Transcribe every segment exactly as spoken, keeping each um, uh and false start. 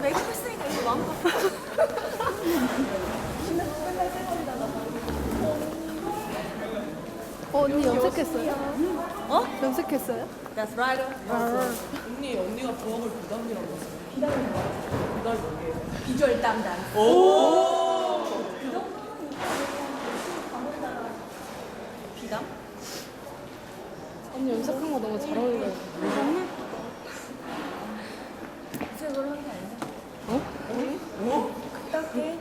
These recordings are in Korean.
메이크업 했으니까 이거 마음껏. 어, 언니 염색했어요? 어? 염색했어요? That's right. 언니, 언니가 부엌을 부담이라고 했어요. 비담이 뭐야? 비담이 뭐예요? 비주얼 담당. 오! 그 정도는 비담? 언니 염색한 거 너무 잘 어울려요. 색으로 한 게 아니야? 어? 오? 딱히.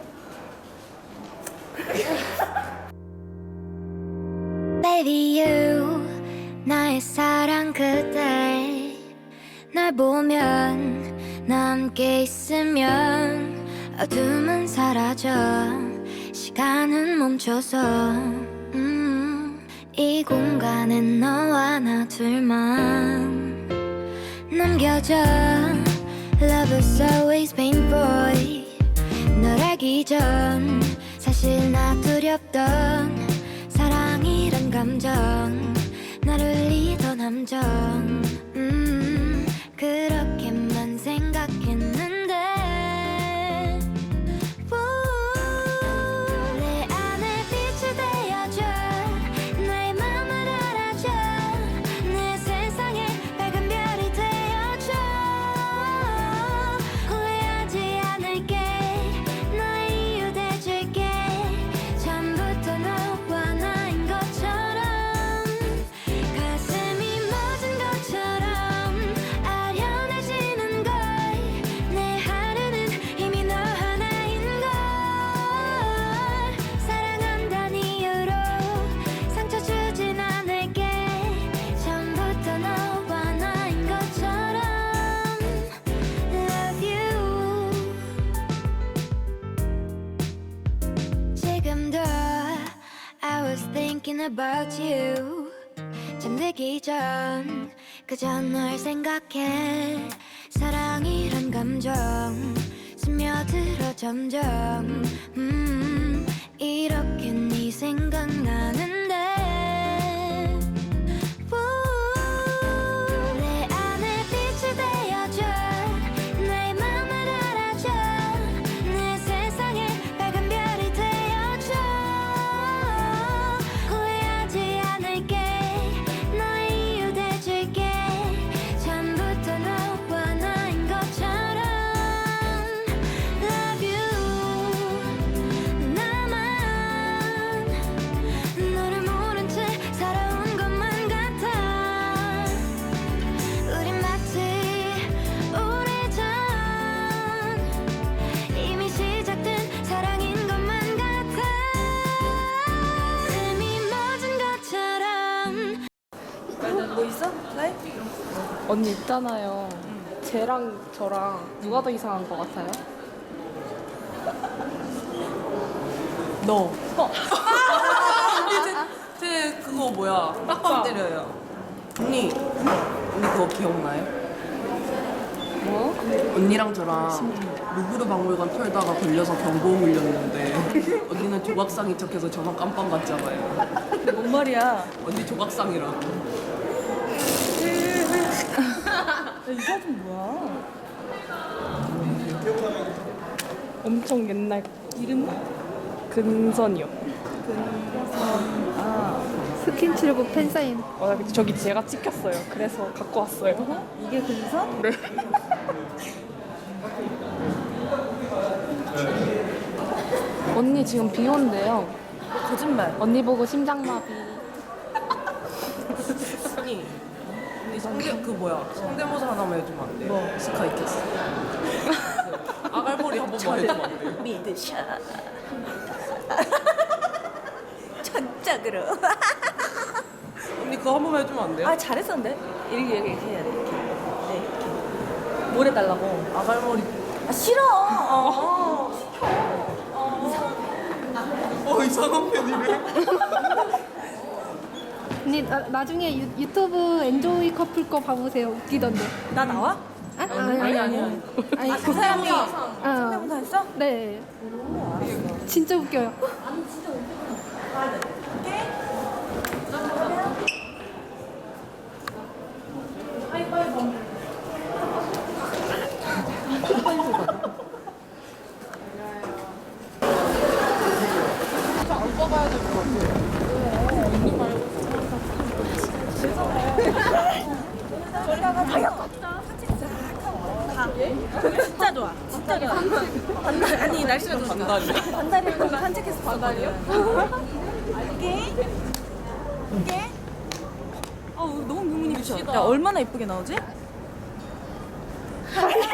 Baby you 나의 사랑 그대 날 보면 나 함께 있으면 어둠은 사라져 시간은 멈춰서 음, 이 공간엔 너와 나 둘만 남겨져 Love is always painful 널 알기 전 사실 나 두렵던 사랑이란 감정 나를 울리던 함정 음, 그렇게만 생각했는데 우, 내 안에 빛이 되어줘 나의 맘을 알아줘 내 세상에 밝은 별이 되어줘 후회하지 않을게 너의 이유 돼줄게 처음부터 너와 나인 것처럼 가슴이 멎은 것처럼 아련해지는 걸 내 하루는 이미 너 하나인 걸 사랑한다는 이유로 상처 주진 않을게 처음부터 너와 나인 것처럼 Love you 지금도 I was thinking about you 잠들기 전 그저 널 생각해 사랑이란 감정 스며들어 점점 음, 이렇게 네 생각나는데 우, 내 안에 빛이 되어줘 나의 맘을 알아줘 내 세상에 밝은 별이 되어줘 후회하지 않을게 너의 이유 돼줄게 처음부터 너와 나인 것처럼 Love you 나만 너를 모른 채 살아온 것만 같아 우린 마치 오래전 이미 시작된 사랑인 것만 같아 숨이 멎은 것처럼 뭐 있어? 나이? 언니 있잖아요. 쟤랑 저랑 누가 더 이상한 거 같아요? 너. 언니, 제, 제 그거 뭐야? 빡빡 때려요. 언니, 언니 그거 기억나요? 뭐? 언니랑 저랑 루브르 박물관 털다가 걸려서 경보 물렸는데 언니는 조각상인 척해서 저만 깜빵 갔잖아요. 근데 뭔 말이야? 언니 조각상이라고. 야, 이 사진 뭐야? 엄청 옛날 이름은? 근선이요. 아, 스킨칠북 팬사인. 어, 나 저기 제가 찍혔어요. 그래서 갖고 왔어요. 이게 근선? 네. 언니 지금 비 온대요. 거짓말. 언니 보고 심장마비. 언니, 언니 성대 그 뭐야? 성대모사 하나만 해주면 안 돼? 뭐? 스카이캐슬. 아갈머리 한 번만 해주면 안 돼? 미드샷. 전작으로. 언니 그거 한 번만 해주면 안 돼요? 아, 잘했었는데? 이렇게, 이렇게, 이렇게 해야 돼. 이렇게. 네, 이렇게. 뭘 해달라고? 아갈머리. 아, 싫어. 어. 어 이상한 편이네. 언니 나, 나중에 유, 유튜브 엔조이 커플 거 봐보세요. 웃기던데. 나 나와? 아, 아니 아니 아니. 아니 아, 그 사람이 아, 성대모사 했어? 네. 진짜 웃겨요. 하이파이브. 진짜 좋아. 진짜 좋아. 반달 아니 날씨가 좋아. 반달이야? 반달이면 산책해서 반달이요? 이게 이게 어 너무 유민이 야 얼마나 예쁘게 나오지?